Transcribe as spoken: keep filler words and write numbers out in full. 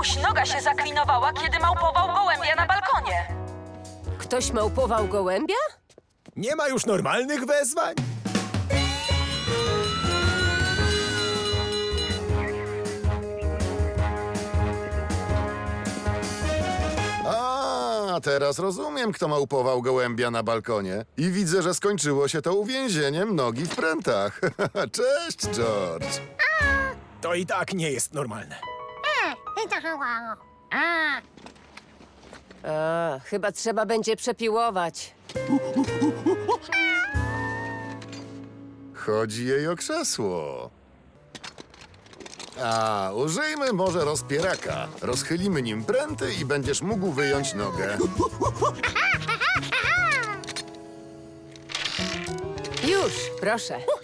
Komuś noga się zaklinowała, kiedy małpował gołębia na balkonie. Ktoś małpował gołębia? Nie ma już normalnych wezwań? A, teraz rozumiem, kto małpował gołębia na balkonie. I widzę, że skończyło się to uwięzieniem nogi w prętach. Cześć, George. To i tak nie jest normalne. A, chyba trzeba będzie przepiłować. Chodzi jej o krzesło. A, użyjmy może rozpieraka. Rozchylimy nim pręty i będziesz mógł wyjąć nogę. Już, proszę.